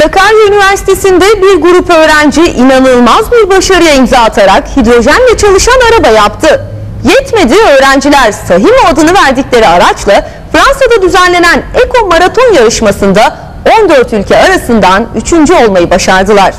Sakarya Üniversitesi'nde bir grup öğrenci inanılmaz bir başarıya imza atarak hidrojenle çalışan araba yaptı. Yetmedi, öğrenciler Sahimo adını verdikleri araçla Fransa'da düzenlenen Eko Maraton yarışmasında 14 ülke arasından 3. olmayı başardılar.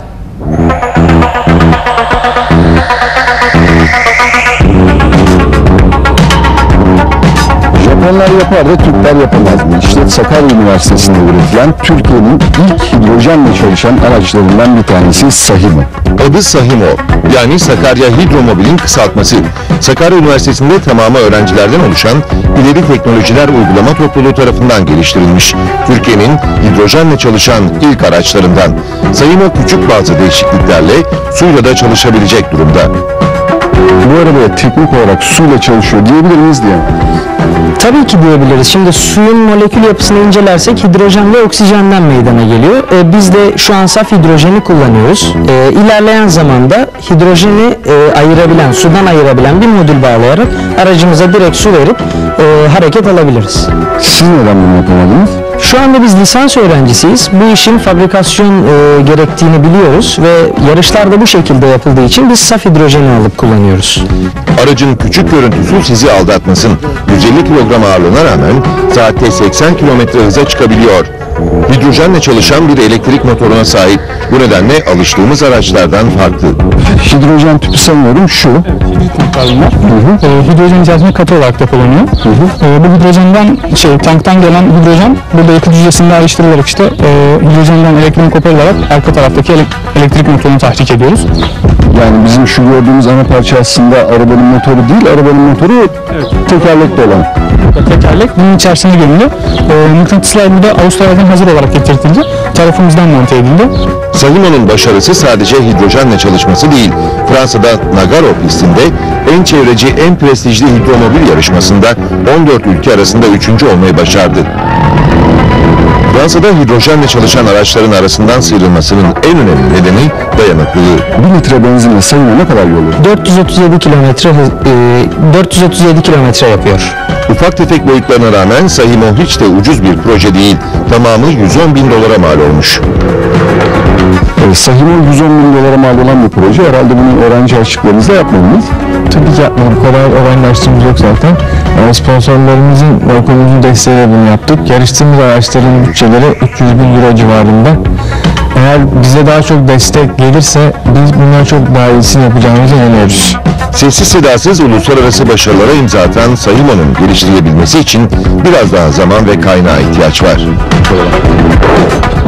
Japonlar yapar da Türkler yapamaz mı? İşte Sakarya Üniversitesi'nde üretilen Türkiye'nin ilk hidrojenle çalışan araçlarından bir tanesi Sahimo. Adı Sahimo, yani Sakarya Hidromobil'in kısaltması. Sakarya Üniversitesi'nde tamamı öğrencilerden oluşan İleri Teknolojiler Uygulama Topluluğu tarafından geliştirilmiş. Türkiye'nin hidrojenle çalışan ilk araçlarından. Sahimo küçük bazı değişikliklerle suyla da çalışabilecek durumda. Bu arabaya teknik olarak suyla çalışıyor diyebilir miyiz diye. Tabii ki diyebiliriz. Şimdi suyun molekül yapısını incelersek hidrojen ve oksijenden meydana geliyor. Biz de şu an saf hidrojeni kullanıyoruz. İlerleyen zamanda hidrojeni ayırabilen, sudan ayırabilen bir modül bağlayarak aracımıza direkt su verip hareket alabiliriz. Siz neden bunu yapamadınız? Şu anda biz lisans öğrencisiyiz. Bu işin fabrikasyon gerektiğini biliyoruz ve yarışlar da bu şekilde yapıldığı için biz saf hidrojeni alıp kullanıyoruz. Aracın küçük görüntüsü sizi aldatmasın. 150 kilogram ağırlığına rağmen saatte 80 kilometre hıza çıkabiliyor. Hidrojenle çalışan bir elektrik motoruna sahip. Bu nedenle alıştığımız araçlardan farklı. Hidrojen tüpü sanıyorum şu. Var. Hidrojen içerisinde katı olarak depolanıyor. Bu hidrojenden tanktan gelen hidrojen burada yakıt hücresinde ayrıştırılarak hidrojenden elektron koparılarak arka taraftaki elektrik motorunu tahrik ediyoruz. Yani bizim şu gördüğümüz ana parça aslında arabanın motoru değil, arabanın motoru tekerlekli olan. Tekerlek bunun içerisine gömülü. Mıknatıslar burada Avustralya'dan hazır olarak getirtildi. Tarafımızdan monte edildi. Sahimo'nun başarısı sadece hidrojenle çalışması değil. Fransa'da Nagaro pistinde en çevreci, en prestijli hidromobil yarışmasında 14 ülke arasında 3. olmayı başardı. Fransa'da hidrojenle çalışan araçların arasından sıyrılmasının en önemli nedeni dayanıklılığı. 1 litre benzinle Sahimo ne kadar yol alır? 437 kilometre yapıyor. Ufak tefek boyutlarına rağmen Sahimo hiç de ucuz bir proje değil. Tamamı 110 bin dolara mal olmuş. Sahimo 110 bin dolara mal olan bir proje. Herhalde bunu öğrenci harçlıklarınızla yapmadınız. Tabii ki yapmadık. Kolay öğrenci yok zaten. Sponsorlarımızın ve okulumuzun desteğiyle bunu yaptık. Yarıştığımız araçların bütçeleri 300 bin euro civarında. Eğer bize daha çok destek gelirse biz bundan çok daha iyisini yapacağımıza inanıyoruz. Sessiz sedasız uluslararası başarılara imza atan Sahimo'nun geliştirilebilmesi için biraz daha zaman ve kaynağa ihtiyaç var.